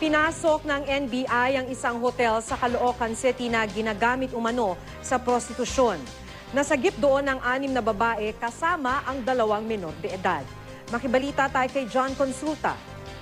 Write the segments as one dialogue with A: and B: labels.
A: Pinasok ng NBI ang isang hotel sa Caloocan City na ginagamit umano sa prostitusyon. Nasagip doon ang 6 na babae kasama ang 2 menor de edad. Makibalita tayo kay John Consulta.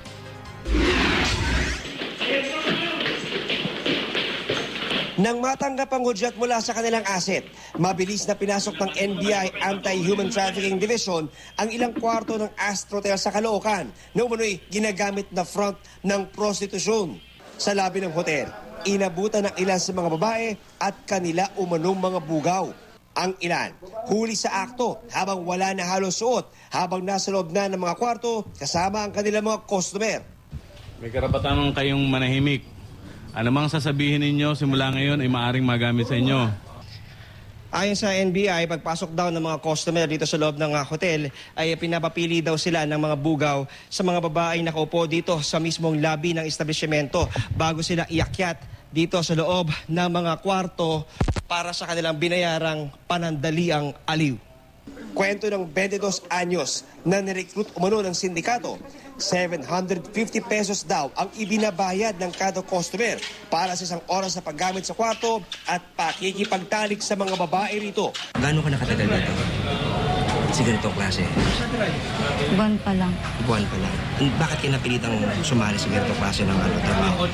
B: Nang matanggap ang hudyat mula sa kanilang asset, mabilis na pinasok ng NBI Anti-Human Trafficking Division ang ilang kwarto ng Astrotel sa Caloocan na umano'y ginagamit na front ng prostitusyon. Sa labi ng hotel, inabutan ng ilan sa mga babae at kanila umanong mga bugaw. Ang ilan, huli sa akto habang wala na halos suot habang nasa loob na ng mga kwarto kasama ang kanilang mga customer.
C: May karapatan kayong manahimik. Ano mang sasabihin ninyo simula ngayon ay maaaring magamit sa inyo.
B: Ayon sa NBI, pagpasok daw ng mga customer dito sa loob ng hotel ay pinapapili daw sila ng mga bugaw sa mga babaeng nakaupo dito sa mismong lobby ng establishmento bago sila iakyat dito sa loob ng mga kwarto para sa kanilang binayarang panandaliang aliw. Kwento ng 22 anyos na nirecruit umano ng sindikato, 750 pesos daw ang ibinabayad ng kada customer para sa isang oras na paggamit sa kwarto at pakikipagtalik sa mga babae rito.
D: Gaano ka nakatagal dito? Sa ganitong klase?
E: Buwan pa lang.
D: Buwan pa lang. Bakit ka napilitang sumali sa ganitong klase ng trabaho?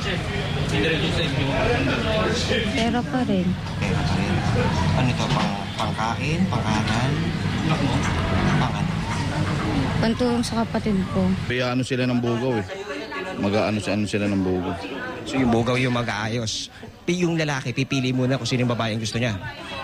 E: Pera pa rin.
D: Pera pa rin. Ano ito? Pangkain? Pang-aral? Pang-ano?
E: Pantulong sa kapatid ko.
F: Kaya ano sila ng bugaw eh. Mag-ano sila ng bugaw.
D: So yung bugaw yung mag-aayos. Yung lalaki, pipili muna kung sino yung babae ang gusto niya.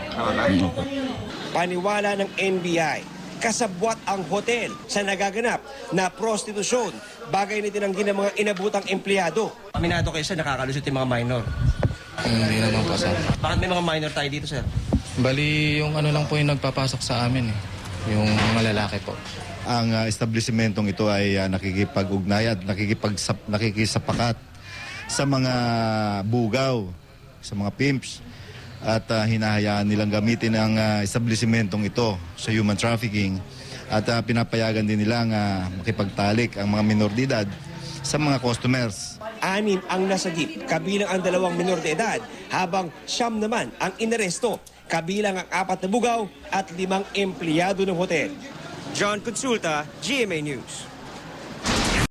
B: Paniwala ng NBI, kasabwat ang hotel sa nagaganap na prostitusyon. Bagay na tinanggi ng mga inabutang empleyado.
D: Aminado kayo sir, nakakalusot yung mga minor.
F: Hindi naman po, sir.
D: Bakit may mga minor tayo dito sir?
F: Bali, yung ano lang po yung nagpapasok sa amin eh. Yung mga lalaki po.
G: Ang establishmentong ito ay nakikipag-ugnay at nakikisapakat sa mga bugaw, sa mga pimps at hinahayaan nilang gamitin ang establishmentong ito sa human trafficking at pinapayagan din nilang makipagtalik ang mga minor de edad sa mga customers.
B: 6 ang nasagip, kabilang ang 2 menor de edad, habang 9 naman ang inaresto, kabilang ang 4 na bugaw at 5 empleyado ng hotel. John Consulta, GMA News.